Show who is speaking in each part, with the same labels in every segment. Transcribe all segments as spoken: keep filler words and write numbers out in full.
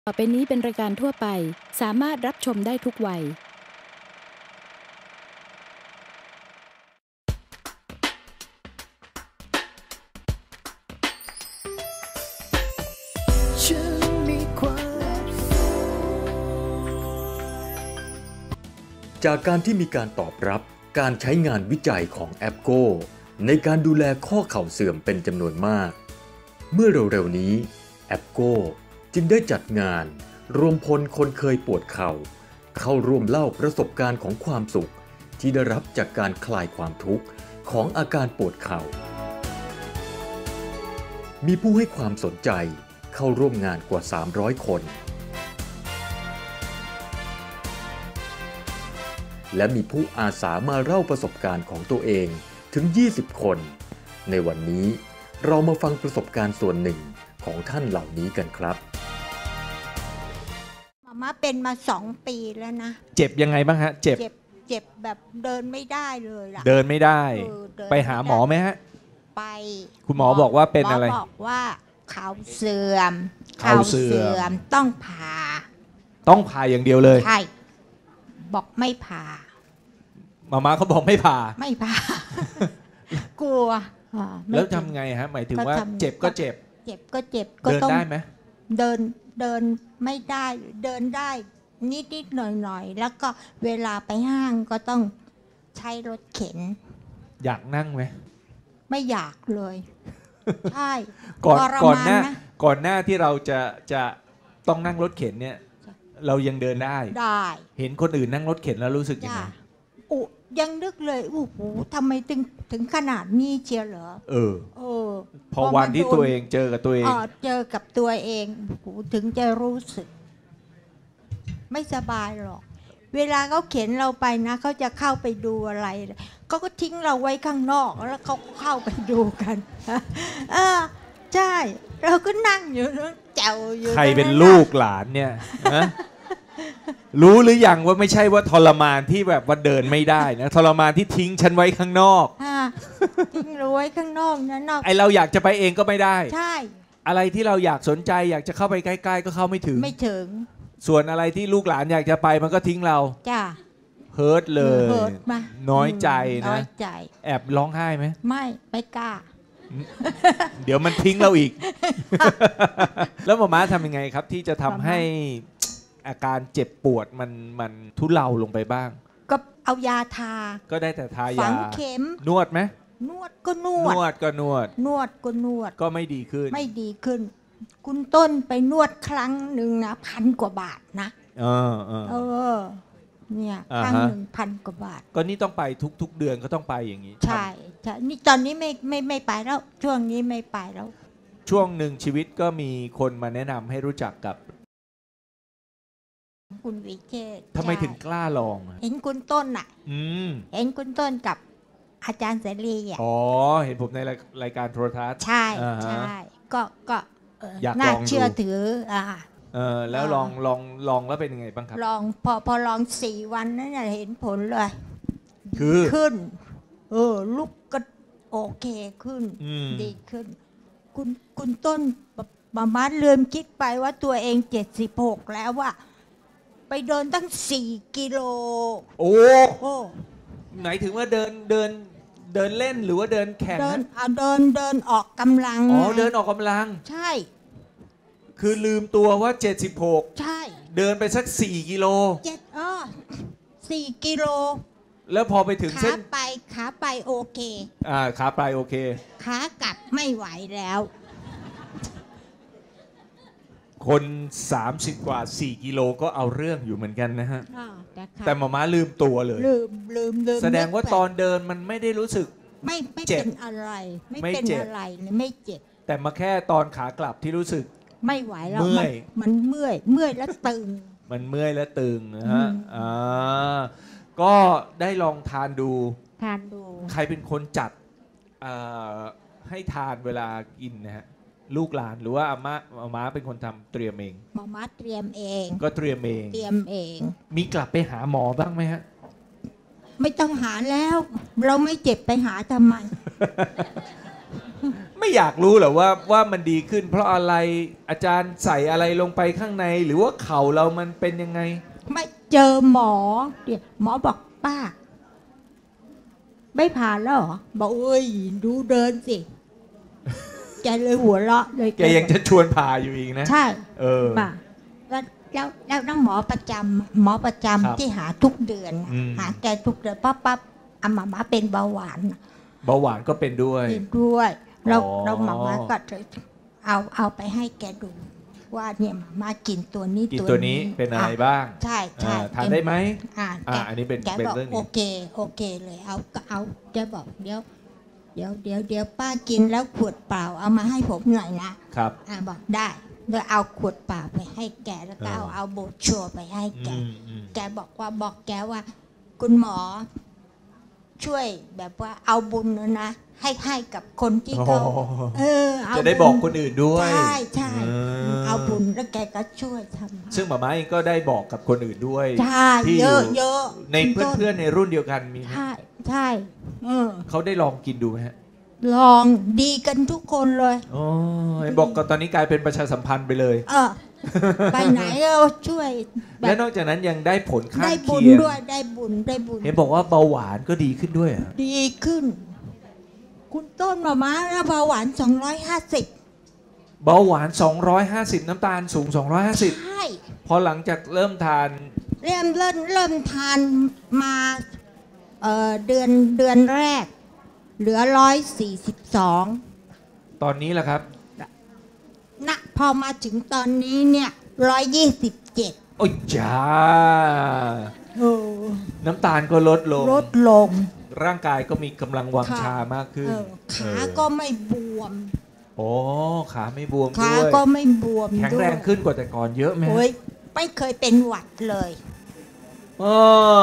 Speaker 1: ต่อไปนี้เป็นรายการทั่วไปสามารถรับชมได้ทุกวัย
Speaker 2: จากการที่มีการตอบรับการใช้งานวิจัยของแอปโก้ในการดูแลข้อเข่าเสื่อมเป็นจำนวนมากเมื่อเร็วๆนี้แอปโก้จึงได้จัดงานรวมพลคนเคยปวดเข่าเข้าร่วมเล่าประสบการณ์ของความสุขที่ได้รับจากการคลายความทุกข์ของอาการปวดเข่ามีผู้ให้ความสนใจเข้าร่วมงานกว่าสามร้อยคนและมีผู้อาสามาเล่าประสบการณ์ของตัวเองถึงยี่สิบคนในวันนี้เรามาฟังประสบการณ์ส่วนหนึ่งของท่านเหล่านี้กันครับ
Speaker 3: มาม่าเป็นมาสองปีแล้วนะ
Speaker 4: เจ็บยังไงบ้างฮะเจ็บ
Speaker 3: เจ็บเจ็บแบบเดินไม่ได้เลยล่ะ
Speaker 4: เดินไม่ได้ไปหาหมอไหมฮะ
Speaker 3: ไป
Speaker 4: คุณหมอบอกว่าเป็นอะไร
Speaker 3: หมอบอกว่าเข่าเสื่อมเข่าเสื่อมต้องผ่า
Speaker 4: ต้องผ่าอย่างเดียวเลย
Speaker 3: ใช่บอกไม่ผ่า
Speaker 4: มาม่าเขาบอกไม่ผ่า
Speaker 3: ไม่ผ่ากลัว
Speaker 4: แล้วทำไงฮะหมายถึงว่าเจ็บก็เจ็บ
Speaker 3: เจ็บก็เจ็บ
Speaker 4: ก็ต้องเดินได้ไหม
Speaker 3: เดินเดินไม่ได้เดินได้นิดนิดหน่อยหน่อยแล้วก็เวลาไปห้างก็ต้องใช้รถเข็น
Speaker 4: อยากนั่งไหม
Speaker 3: ไม่อยากเลยใช่
Speaker 4: ก่อนก่อนหน้าก่อนหน้าที่เราจะจะต้องนั่งรถเข็นเนี่ยเรายังเดินได้
Speaker 3: ได้
Speaker 4: เห็นคนอื่นนั่งรถเข็นแล้วรู้สึกยังไง
Speaker 3: อุยังนึกเลยโอ้โหทำไมถึงถึงขนาดนี้เชียวเหรอ
Speaker 4: เออ
Speaker 3: เออ
Speaker 4: พอวันที่ตัวเองเจอกับตัวเอง
Speaker 3: เจอกับตัวเองถึงจะรู้สึกไม่สบายหรอกเวลาเขาเข็นเราไปนะเขาจะเข้าไปดูอะไรเขาก็ทิ้งเราไว้ข้างนอกแล้วเขาเข้าไปดูกันเออใช่เราก็นั่งอยู่นั่งแจวอยู่
Speaker 4: ใครเป็นลูกหลานเนี่ยรู้หรือยังว่าไม่ใช่ว่าทรมานที่แบบว่าเดินไม่ได้นะทรมานที่ทิ้งฉันไว้ข้างนอก
Speaker 3: ทิ้งเราไว้ข้างนอกนะนอก
Speaker 4: ไอเราอยากจะไปเองก็ไม่ได้
Speaker 3: ใช่
Speaker 4: อะไรที่เราอยากสนใจอยากจะเข้าไปใกล้ๆก็เข้าไม่ถึง
Speaker 3: ไม่ถึง
Speaker 4: ส่วนอะไรที่ลูกหลานอยากจะไปมันก็ทิ้งเรา
Speaker 3: จ้า
Speaker 4: เฮิร์ตเลยน้อยใจนะ
Speaker 3: น้อยใจ
Speaker 4: แอบร้องไห้ไหม
Speaker 3: ไม่ไม่กล้า
Speaker 4: เดี๋ยวมันทิ้งเราอีกแล้วหมอม้าทำยังไงครับที่จะทำให้อาการเจ็บปวดมันมันทุเลาลงไปบ้าง
Speaker 3: ก็เอายาทา
Speaker 4: ก็ได้แต่ทายา
Speaker 3: ฝังเข็ม
Speaker 4: นวดไหม
Speaker 3: นวดก็นวด
Speaker 4: นวดก็นวด
Speaker 3: นวดก็นวด
Speaker 4: ก็ไม่ดีขึ้น
Speaker 3: ไม่ดีขึ้นคุณต้นไปนวดครั้งหนึ่งนะพันกว่าบาทนะ
Speaker 4: เออเออ
Speaker 3: เออเนี่ยครั้งหนึ่งพันกว่าบาท
Speaker 4: ก็นี่ต้องไปทุกๆเดือนก็ต้องไปอย่างนี้
Speaker 3: ใช่ใช่นี่ตอนนี้ไม่ไม่ไม่ไปแล้วช่วงนี้ไม่ไปแล้ว
Speaker 4: ช่วงหนึ่งชีวิตก็มีคนมาแนะนำให้รู้จักกับ
Speaker 3: คุณวิเชษฐ์
Speaker 4: ทำไมถึงกล้าลอง
Speaker 3: เห็นคุณต้นอ่ะเห็นคุณต้นกับอาจารย์เสรีอ่ะ
Speaker 4: อ๋อเห็นผมในรายการโทรทัศน์
Speaker 3: ใช่ใช่ก็ก็น่าเชื่อถืออ่า
Speaker 4: เออแล้วลองลองลองแล้วเป็นยังไงบ้างครับ
Speaker 3: ลองพอพอลองสี่วันนั้นเห็นผลเลย
Speaker 4: คือ
Speaker 3: ขึ้นเออลุกก็โอเคขึ้นดีขึ้นคุณคุณต้นมาม่าลืมคิดไปว่าตัวเองเจ็ดสิบหกแล้วว่าไปเดินตั้งสี่กิโล
Speaker 4: โอ้โหไหนถึงว่าเดินเดินเดินเล่นหรือว่าเดินแข่ง
Speaker 3: เดินเอาเดินเดินออกกำลัง
Speaker 4: อ๋อเดินออกกำลัง
Speaker 3: ใช่
Speaker 4: คือลืมตัวว่าเจ็ดสิบหก
Speaker 3: ใช่
Speaker 4: เดินไปสักสี่กิโล
Speaker 3: เจ็ดอ๋อสี่กิโล
Speaker 4: แล้วพอไปถึงเส้น
Speaker 3: ขาไปขาไปโอเค
Speaker 4: อ่าขาไปโอเค
Speaker 3: ขากลับไม่ไหวแล้ว
Speaker 4: คนสามสิบกว่าสี่กิโลก็เอาเรื่องอยู่เหมือนกันนะฮะแต่หมอม้าลืมตัวเลย
Speaker 3: ลืมลืมลืม
Speaker 4: แสดงว่าตอนเดินมันไม่ได้รู้สึก
Speaker 3: ไม่ไม่เป็นอะไรไม่เป็นอะไรไม่เจ็บ
Speaker 4: แต่มาแค่ตอนขากลับที่รู้สึก
Speaker 3: ไม่ไหวแล้วเมื่อยมันเมื่อยเมื่อยแล้วตึง
Speaker 4: มันเมื่อยแล้วตึงนะฮะอ่าก็ได้ลองทานดู
Speaker 3: ทานดู
Speaker 4: ใครเป็นคนจัดให้ทานเวลากินนะฮะลูกหลานหรือว่าอาม่าอาม่าเป็นคนทำเตรียมเอง
Speaker 3: มาม่าเตรียมเอง
Speaker 4: ก็เตรียมเอง
Speaker 3: เตรียมเอง
Speaker 4: มีกลับไปหาหมอบ้างไหมฮะ
Speaker 3: ไม่ต้องหาแล้วเราไม่เจ็บไปหาทำไม
Speaker 4: ไม่ไม่อยากรู้เหรอว่าว่ามันดีขึ้น เพราะอะไรอาจารย์ใส่อะไรลงไปข้างในหรือว่าเข่าเรามันเป็นยังไง
Speaker 3: ไม่เจอหมอเดี๋ยวหมอบอกป้าไม่ผ่านแล้วเหรอบอกเอ้ยดูเดินสิแกเลยหัวเราะเลย
Speaker 4: แกยังจะชวนผ่าอยู่อีกนะ
Speaker 3: ใช่
Speaker 4: เออ
Speaker 3: ป่ะแล้วแล้วแล้วน้องหมอประจำหมอประจำที่หาทุกเดือนหาแกทุกเดือนปั๊บปั๊บอามาม่าเป็นเบาหวาน
Speaker 4: เบาหวานก็เป็นด้วย
Speaker 3: เป็นด้วยเราเราหมาม่าก็เอาเอาไปให้แกดูว่าเนี่ยมากินตัวนี้
Speaker 4: ตัวนี้เป็นอะไรบ้าง
Speaker 3: ใช่ใช่
Speaker 4: ทานได้ไหม
Speaker 3: อ่า
Speaker 4: อันนี้เป็น
Speaker 3: แกบอกโอเคโอเคเลยเอาก็เอาแกบอกเดี๋ยวเดี๋ยวเดี๋ยวเดี๋ยวป้ากินแล้วขวดเปล่าเอามาให้ผมหน่อยนะครับอ่าบอกได้โดยเอาขวดเปล่าไปให้แกแล้วก็เอาเอาโบชัวไปให้แกแกบอกว่าบอกแกว่าคุณหมอช่วยแบบว่าเอาบุญนะให้ให้กับคนที่เขาเออ
Speaker 4: จะได้บอกคนอื่นด้วย
Speaker 3: ใช่ใช่เอาบุญแล้วแกก็ช่วยทำ
Speaker 4: ซึ่งหม่าม้าเองก็ได้บอกกับคนอื่นด้วย
Speaker 3: ใช่เยอะเยอะ
Speaker 4: ในเพื่อนๆในรุ่นเดียวกันมี
Speaker 3: ใช่ใช่
Speaker 4: เขาได้ลองกินดูไหมฮะ
Speaker 3: ลองดีกันทุกคนเลย
Speaker 4: อ๋อบอกก็ตอนนี้กลายเป็นประชาสัมพันธ์ไปเลย
Speaker 3: เออไปไหนก็ช่วย
Speaker 4: และนอกจากนั้นยังได้ผลข้างเคียง
Speaker 3: ได้บุญด้วยได้บุญได้บุญ
Speaker 4: เห็นบอกว่าเบาหวานก็ดีขึ้นด้วย
Speaker 3: ดีขึ้นคุณต้นหม่าม้าแล้วเบาหวานสองร้อยห้าสิบ
Speaker 4: เบาหวานสองร้อยห้าสิบน้ำตาลสูงสองร้อยห้าสิบ
Speaker 3: ใช่
Speaker 4: พอหลังจากเริ่มทาน
Speaker 3: เริ่มเริ่มเริ่มทานมาเอ่อเดือนเดือนแรกเหลือหนึ่งร้อยสี่สิบสอง
Speaker 4: ตอนนี้ล่ะครับ
Speaker 3: ณพอมาถึงตอนนี้เนี่ยหนึ่งร้อยยี่สิบเจ็ด
Speaker 4: โอ้ยจ้า
Speaker 3: โอ้
Speaker 4: น้ำตาลก็ลดลง
Speaker 3: ลดลง
Speaker 4: ร่างกายก็มีกำลังวังชามากขึ้น
Speaker 3: ขาก็ไม่บวม
Speaker 4: โอ้ขาไม่บวมด้วย
Speaker 3: ขาก็ไม่บวม
Speaker 4: แข็งแรงขึ้นกว่าแต่ก่อนเยอะไหม
Speaker 3: โอ้ยไม่เคยเป็นหวัดเลย
Speaker 4: โอ้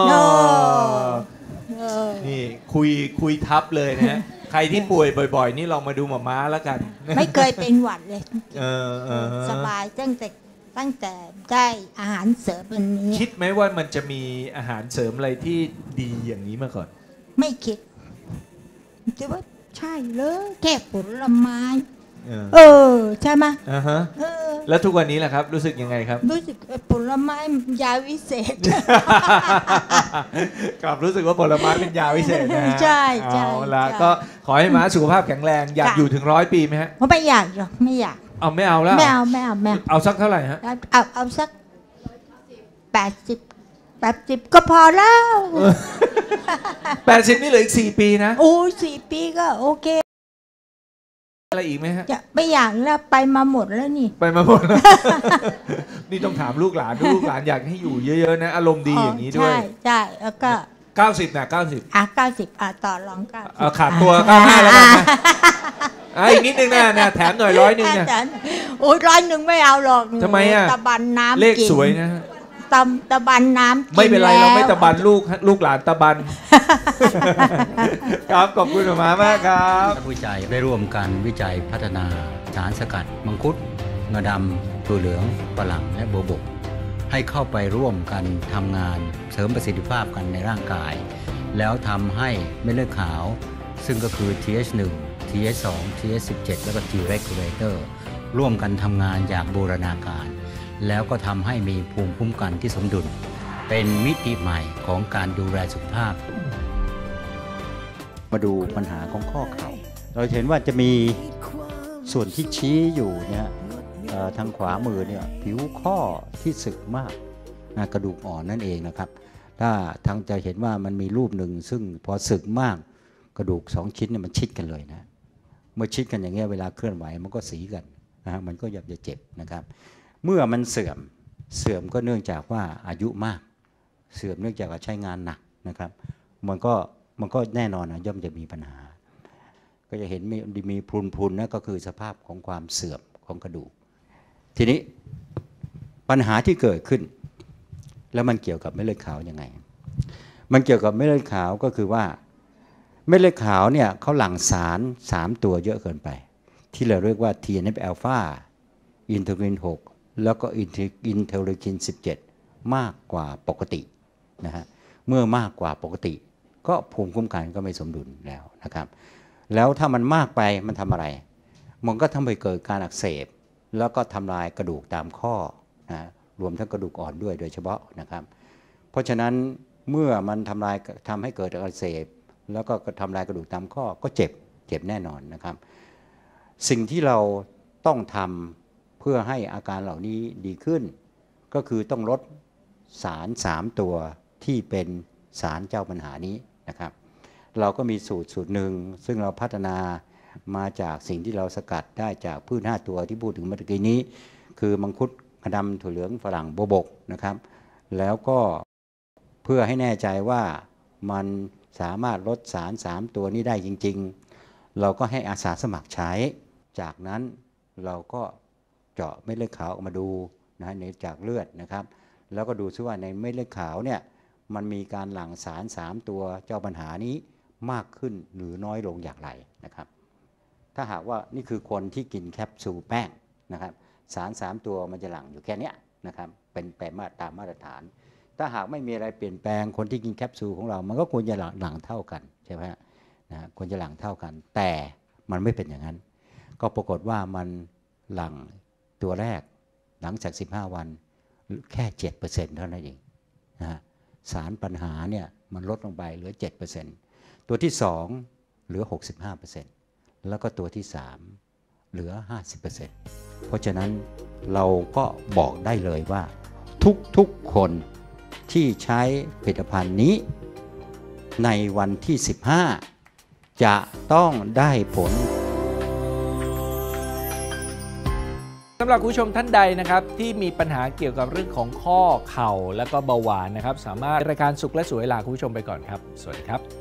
Speaker 4: นี่คุยคุยทับเลยนะใครที่ป่วยบ่อยๆนี่ลองมาดูหม่าม้าแล้วกัน
Speaker 3: ไม่เคยเป็นหวัดเลยสบายตั้งแต่ตั้งแต่ได้อาหารเสริมอันนี้
Speaker 4: คิดไหมว่ามันจะมีอาหารเสริมอะไรที่ดีอย่างนี้มาก่อน
Speaker 3: ไม่คิดคิดว่าใช่เลยแค่ผลไม้เออใช่ไหม
Speaker 4: อ่าฮะแล้วทุกวันนี้แหละครับรู้สึกยังไงครับ
Speaker 3: รู้สึกผลไม้ยาวิเศษ
Speaker 4: ครับรู้สึกว่าผลไม้เป็นยาวิเศษนะ
Speaker 3: ใช่ใช่
Speaker 4: เอาละก็ขอให้ม้าสุขภาพแข็งแรงอยากอยู่ถึงร้อยปีไหมฮะ
Speaker 3: ไม่อยากหรอกไม่อยาก
Speaker 4: เอาไม่เอาแล้ว
Speaker 3: ไม่เอาไม่เอาไม่
Speaker 4: เอาสักเท่าไหร่ฮะ
Speaker 3: เอาเอาสักแปดสิบแปดสิบก็พอแล้ว
Speaker 4: แปดสิบนี่เหลืออีกสี่ปีนะ
Speaker 3: โอ้สี่ปีก็โอเค
Speaker 4: อะไรอีกไหมฮะ
Speaker 3: จะไม่อยากแล้วไปมาหมดแล้วนี่
Speaker 4: ไปมาหมดแล้วนี่ต้องถามลูกหลานลูกหลานอยากให้อยู่เยอะๆนะอารมณ์ดีอย่างนี้ด้วย
Speaker 3: ใช่ใช่แล้วก็
Speaker 4: เก้าสิบนะเก้าสิบ
Speaker 3: อ่ะเก้าสิบอ่ะต่อรองเก้า
Speaker 4: เอาขาดตัวเก้าห้าแล้วกันนะอ่ะอีกนิดนึงนะนะแถมหน่อยร้อยนึงเนี่ย
Speaker 3: โอ้ยร้อยหนึ่งไม่เอาหรอก
Speaker 4: ทำไมอ่ะ
Speaker 3: ตะบันน้ำ
Speaker 4: เลขสวยนะ
Speaker 3: ตำตะบันน้ำ
Speaker 4: ไม่เป็นไรเราไม่ตะบันลูกลูกหลานตะบันครับขอบคุณมากมากครับ
Speaker 5: นักวิจัยได้ร่วมกันวิจัยพัฒนาสารสกัดมังคุดงาดำถั่วเหลืองฝรั่งและโบวบกให้เข้าไปร่วมกันทำงานเสริมประสิทธิภาพกันในร่างกายแล้วทำให้เม็ดเลือดขาวซึ่งก็คือ ที เอช หนึ่ง ที เอช สอง ที เอช สิบเจ็ด และก็ T regulator ร่วมกันทำงานอย่างบูรณาการแล้วก็ทำให้มีภูมิคุ้มกันที่สมดุลเป็นมิติใหม่ของการดูแลสุขภาพมาดูปัญหาของข้อเข่าเราเห็นว่าจะมีส่วนที่ชี้อยู่เนี่ยทางขวามือเนี่ยผิวข้อที่สึกมากกระดูกอ่อนนั่นเองนะครับถ้าทางจะเห็นว่ามันมีรูปหนึ่งซึ่งพอสึกมากกระดูกสองชิ้นเนี่ยมันชิดกันเลยนะเมื่อชิดกันอย่างเงี้ยเวลาเคลื่อนไหวมันก็สีกันนะมันก็ยับจะเจ็บนะครับเมื่อมันเสื่อมเสื่อมก็เนื่องจากว่าอายุมากเสื่อมเนื่องจากใช้งานหนักนะครับมันก็มันก็แน่นอนนะย่อมจะมีปัญหาก็จะเห็นมีมีพรุนๆนะก็คือสภาพของความเสื่อมของกระดูกทีนี้ปัญหาที่เกิดขึ้นแล้วมันเกี่ยวกับเม็ดเลือดขาวยังไงมันเกี่ยวกับเม็ดเลือดขาวก็คือว่าเม็ดเลือดขาวเนี่ยเขาหลั่งสารสามตัวเยอะเกินไปที่เราเรียกว่า ที เอ็น เอฟ อัลฟา อินเทอร์ลีนหกแล้วก็อินเทอร์ลีคินสิบเจ็ดมากกว่าปกตินะฮะเมื่อมากกว่าปกติก็ภูมิคุ้มกันก็ไม่สมดุลแล้วนะครับแล้วถ้ามันมากไปมันทำอะไรมันก็ทำให้เกิดการอักเสบแล้วก็ทำลายกระดูกตามข้อนะรวมทั้งกระดูกอ่อนด้วยโดยเฉพาะนะครับเพราะฉะนั้นเมื่อมันทำลายทำให้เกิดอักเสบแล้วก็ทำลายกระดูกตามข้อก็เจ็บเจ็บแน่นอนนะครับสิ่งที่เราต้องทำเพื่อให้อาการเหล่านี้ดีขึ้นก็คือต้องลดสารสามตัวที่เป็นสารเจ้าปัญหานี้นะครับเราก็มีสูตรสูตรหนึ่งซึ่งเราพัฒนามาจากสิ่งที่เราสกัดได้จากพืชห้าตัวที่พูดถึงเมื่อกี้นี้คือมังคุดกระดำถั่วเหลืองฝรั่งโบวบกนะครับแล้วก็เพื่อให้แน่ใจว่ามันสามารถลดสารสามตัวนี้ได้จริงๆเราก็ให้อาสาสมัครใช้จากนั้นเราก็เจาะเม็ดเลือดขาวออกมาดูนะในจากเลือดนะครับแล้วก็ดูซิว่าในเม็ดเลือดขาวเนี่ยมันมีการหลั่งสารสามตัวเจ้าปัญหานี้มากขึ้นหรือน้อยลงอย่างไรนะครับถ้าหากว่านี่คือคนที่กินแคปซูลแป้งนะครับสารสามตัวมันจะหลั่งอยู่แค่นี้นะครับเป็นแปรมาตรตามมาตรฐานถ้าหากไม่มีอะไรเปลี่ยนแปลงคนที่กินแคปซูลของเรามันก็ควรจะหลั่งเท่ากันใช่ไหมนะควรจะหลั่งเท่ากันแต่มันไม่เป็นอย่างนั้นก็ปรากฏว่ามันหลั่งตัวแรกหลังจากสิบห้าวันแค่ เจ็ดเปอร์เซ็นต์ เท่านั้นเองนะสารปัญหาเนี่ยมันลดลงไปเหลือ เจ็ดเปอร์เซ็นต์ ตัวที่สองเหลือ หกสิบห้าเปอร์เซ็นต์ แล้วก็ตัวที่สามเหลือ ห้าสิบเปอร์เซ็นต์ เพราะฉะนั้นเราก็บอกได้เลยว่าทุกๆคนที่ใช้ผลิตภัณฑ์นี้ในวันที่สิบห้าจะต้องได้ผล
Speaker 4: สำหรับผู้ชมท่านใดนะครับที่มีปัญหาเกี่ยวกับเรื่องของข้อเข่าและก็เบาหวานนะครับสามารถรายการสุขและสวยลาคุณผู้ชมไปก่อนครับสวัสดีครับ